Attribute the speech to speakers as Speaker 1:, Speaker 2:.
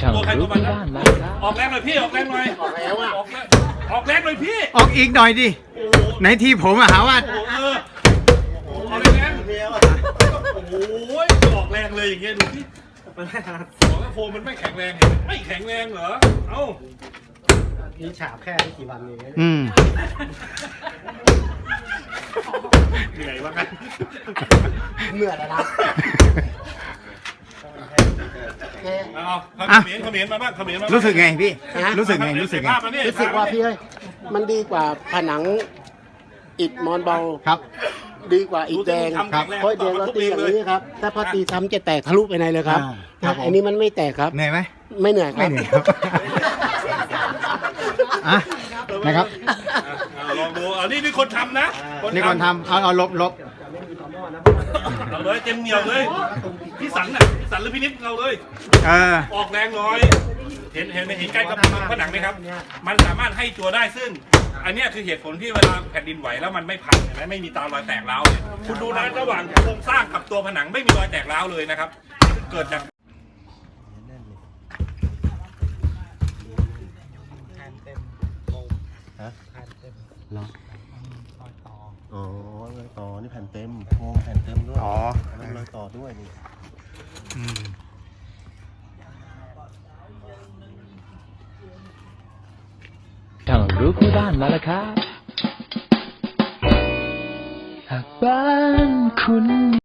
Speaker 1: ตัวใครตัวมันนะออกแรงหน่อยพี่ออกแรงหน่อยออกแล้วออกแรงหน่อยพี่
Speaker 2: ออกอีกหน่อยดิไหนทีผมอะหาว่า
Speaker 1: ออกแรงโอ้ยออกแรงเลยอย่างเงี้ยดูพี่มันไม่ถนัดบอกแล้วโฟมมันไม่แข็งแรงไม่แข็งแรงเหรอเอ้า
Speaker 3: นี่ฉาบแค่ไม่กี่วันเอง
Speaker 1: เหนื่อยวะกัน
Speaker 3: เหนื่อยแล้วนะ
Speaker 1: เอาเขมิ้นมาบ้างเขมิ้นมา
Speaker 2: รู้สึกไงพี่รู้สึกไงรู้สึก
Speaker 3: ว่าพี่เอ้ยมันดีกว่าผนังอิฐมอนเบา
Speaker 2: ครับ
Speaker 3: ดีกว่าอิฐแดงเพราะแดงเราตีอย่างนี้ครับถ้าพอตีซ้ำจะแตกทะลุไปในเลยครับอันนี้มันไม่แตกครับ
Speaker 2: เหนื่อยไหม
Speaker 3: ไม่เหนื่อยครับ
Speaker 2: นะครับ
Speaker 1: ลองดูนี่คนทำนะ
Speaker 2: นี่คนทำเอาลบ
Speaker 1: เราเลยเต็มเหนียวเลยพี่สันหรือพี่นิดเราเลยออกแรงน้อยเห็นใกล้กับผนังไหมครับมันสามารถให้ตัวได้ซึ่งอันนี้คือเหตุผลที่เวลาแผ่นดินไหวแล้วมันไม่พังเห็นไหมไม่มีตารอยแตกร้าวเนี่ยคุณดูนะระหว่างโครงสร้างกับตัวผนังไม่มีรอยแตกร้าวเลยนะครับเกิดจาก
Speaker 4: อ๋อรอยต่อนี่แผ่นเต็มโครงแผ่นเต็มด้วยแล้วรอยต่อด้วยนี่
Speaker 5: ช่างรู้คู่บ้านมาแล้วครับหากบ้านคุณ